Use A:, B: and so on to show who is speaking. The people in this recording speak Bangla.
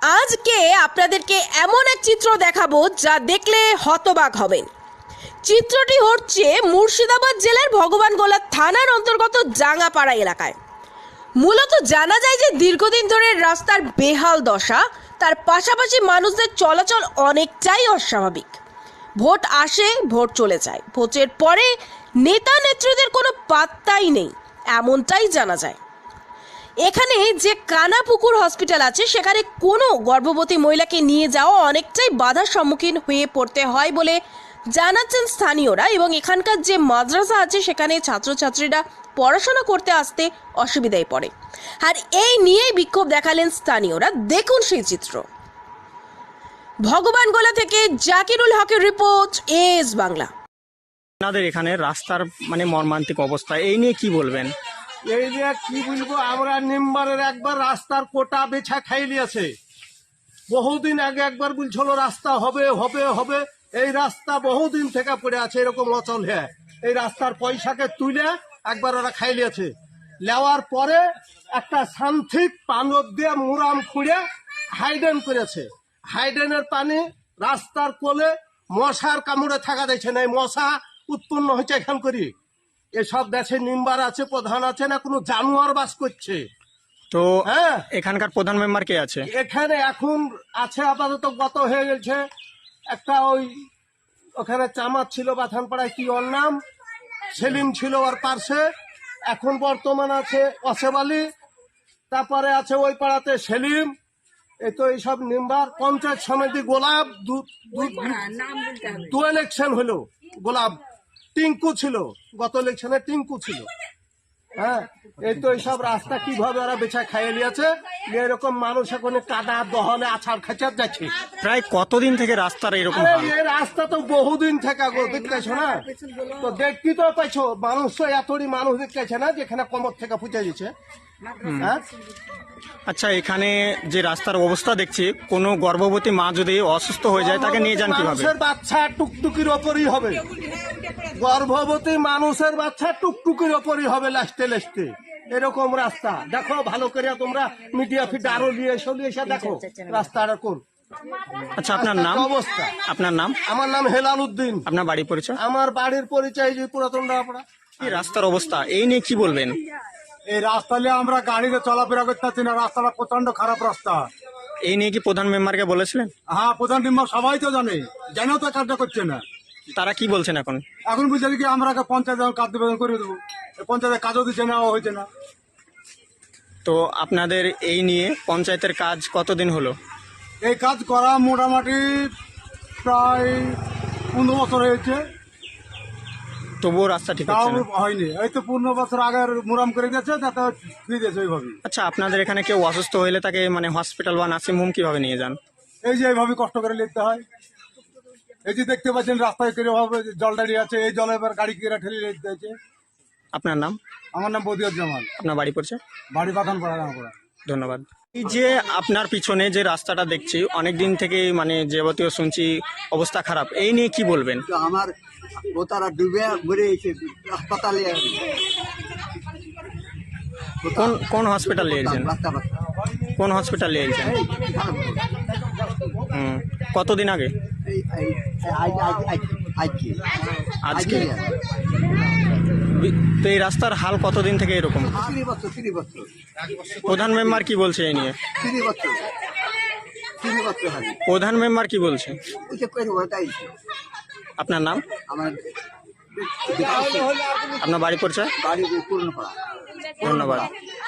A: আজকে আপনাদেরকে এমন এক চিত্র দেখাবো যা দেখলে হতবাক হবেন। চিত্রটি হচ্ছে মুর্শিদাবাদ জেলার ভগবানগোলা থানার অন্তর্গত জাঙ্গাপাড়া এলাকায়। মূলত জানা যায় যে দীর্ঘদিন ধরে রাস্তার বেহাল দশা, তার পাশাপাশি মানুষদের চলাচল অনেকটাই অস্বাভাবিক। ভোট আসে, ভোট চলে যায়, ভোটের পরে নেতা নেত্রীদের কোনো পাত্তাই নেই, এমনটাই জানা যায়। এখানে যে কানাপুকুর হসপিটাল আছে সেখানে কোনো গর্ভবতী মহিলাকে নিয়ে যাওয়া অনেকটাই বাধার সম্মুখীন হয়ে পড়তে হয় বলে জানাচ্ছেন স্থানীয়রা। এবং এখানকার যে মাদ্রাসা আছে সেখানে ছাত্রছাত্রীরা পড়াশোনা করতে আসতে অসুবিধায় পড়ে। আর এই নিয়েই বিক্ষোভ দেখালেন স্থানীয়রা। দেখুন সেই চিত্র। ভগবানগোলা থেকে জাকিরুল হকের রিপোর্ট, এস বাংলা।
B: আপনাদের এখানে রাস্তার মর্মান্তিক অবস্থা, এই নিয়ে কি বলবেন?
C: এই যে কি বলবো, আমরা নিম্বারের একবার রাস্তার কোটা বেছা খাই নিয়েছে। বহুদিন আগে একবার বলছিল রাস্তা হবে হবে হবে, এই রাস্তা বহুদিন থেকে পড়ে আছে এরকম অচল হ্যাঁ। এই রাস্তার পয়সাকে তুলে একবার ওরা খাই নিয়েছে। নেওয়ার পরে একটা সান্থিক পানব দিয়ে মুরাম খুঁড়ে হাইডেন করেছে। হাইডেনের পানি রাস্তার কোলে মশার কামড়ে থাকা দিচ্ছে না। এই মশা উৎপন্ন হচ্ছে এখান করি। এসব দেশে নিম্বার আছে, প্রধান আছে না, কোনো জানোয়ার বাস করছে।
B: তো
C: হ্যাঁ,
B: এখানকার প্রধান মেম্বার কে আছে?
C: এখানে এখন আছে আপাতত, গত হয়ে গেছে একটা ওখানে চামার ছিল বাথানপাড়ায়, কি ওর নাম, সেলিম ছিল ওর পার্শ্বে। এখন বর্তমান আছে অসেব আলী, তারপরে আছে ওই পাড়াতে সেলিম। এই তো এইসব নিম্বার পঞ্চায়েত সমিতি গোলাপ দু ইলেকশন হলো, গোলাপ টিঙ্কু ছিল, গত ইলেকশনে টিঙ্কু ছিল। হ্যাঁ, এই তো এইসব রাস্তা কিভাবে ওরা বেচা খাইয়ে নিয়েছে। এরকম মানুষ এখন কাদা দহনে আছাড় খাচার যাচ্ছে।
B: প্রায় কতদিন থেকে রাস্তার এরকম হাল?
C: এই রাস্তা তো বহুদিন থেকে গো, দেখতেছো না তো, দেখতে তো পাইছো। মানুষ তো এতই মানুষ দেখতেছে না, যেখানে কমর থেকে ফুটে দিচ্ছে। হ্যাঁ,
B: আচ্ছা, এখানে যে রাস্তার অবস্থা দেখছি, কোনো গর্ভবতী মা যদি অসুস্থ হয়ে যায় তাকে নিয়ে যান কিভাবে?
C: মানুষের বাচ্চা টুকটুকির ওপরই হবে, গর্ভবতী মানুষের বাচ্চা টুকটুকির ওপরই হবে লাস্টে লাস্টে। এরকম রাস্তা দেখো ভালো করে, তোমরা মিডিয়া ফিড আরো নিয়ে এসে দেখো রাস্তাটা কোন।
B: আচ্ছা, আপনার নাম?
C: অবস্থা।
B: আপনার নাম?
C: আমার নাম হেলাল উদ্দিন।
B: আপনার বাড়ি পরিচয়?
C: আমার বাড়ির পরিচয় যে পুরাতন ডাপড়া।
B: এই রাস্তার অবস্থা, এই নিয়ে কি বলবেন?
D: এই রাস্তা নিয়ে আমরা গাড়িতে চলাফেরা করতে পারছি না, রাস্তাটা প্রচন্ড খারাপ রাস্তা।
B: এই নিয়ে কি প্রধান মেম্বারকে বলেছিলেন?
D: হ্যাঁ, প্রধান মেম্বার সবাই তো জানেও তো কাজটা করছে না।
B: তারা কি বলছেন এখন?
D: এখন বুঝছে কি আমরা পঞ্চায়েত কাজ নিবেদন করে দেবো, পঞ্চায়েতের কাজও দিচ্ছে না, হয়েছে না।
B: তো আপনাদের এই নিয়ে পঞ্চায়েতের কাজ কতদিন হলো?
D: এই কাজ করা মোটামুটি প্রায় 15 বছর হয়েছে,
B: তবুও রাস্তা ঠিক
D: তাও
B: হচ্ছে না।
D: হয়নি। এই তো 15 বছর আগের মুরাম করে দিয়েছে, তাতে দিয়ে দিয়েছে ওইভাবে।
B: আচ্ছা, আপনাদের এখানে কেউ অসুস্থ হলে তাকে হসপিটাল বা নার্সিং হোম কিভাবে নিয়ে যান?
D: এই যে এইভাবে কষ্ট করে লিখতে হয়। এই যে দেখতে পাচ্ছেন রাস্তায় কিভাবে জল দাঁড়িয়ে আছে, এই জলে এবার গাড়ি কেরা ঠেলে লিখতে হয়েছে।
B: আপনার নাম?
D: আমার নাম বদিউর জামান,
B: আপনার বাড়ি পড়ছে?
D: বাড়ি বাথানপাড়া রাঙাপাড়া।
B: ধন্যবাদ। এই যে আপনার পিছনে যে রাস্তাটা দেখছি, অনেকদিন থেকে যাবতীয় শুনছি অবস্থা খারাপ, এই নিয়ে কি বলবেন?
E: তো আমার ও তারা ডুবে মরে গেছে হাসপাতালে।
B: কোন হসপিটাল নিয়েছেন? কোন হসপিটাল নিয়েছেন? কতদিন আগে? আজকে? তো এই রাস্তার হাল কতদিন থেকে এরকম?
E: 3 বছর।
B: প্রধান মেম্বার কি বলছে এই নিয়ে?
E: 3 বছর
B: প্রধান মেম্বার কি বলছে? আপনার নাম?
E: আমার
B: আপনার বাড়ি পরিচয়?
E: বাড়ি পুরনো পাড়া।
B: ধন্যবাদ।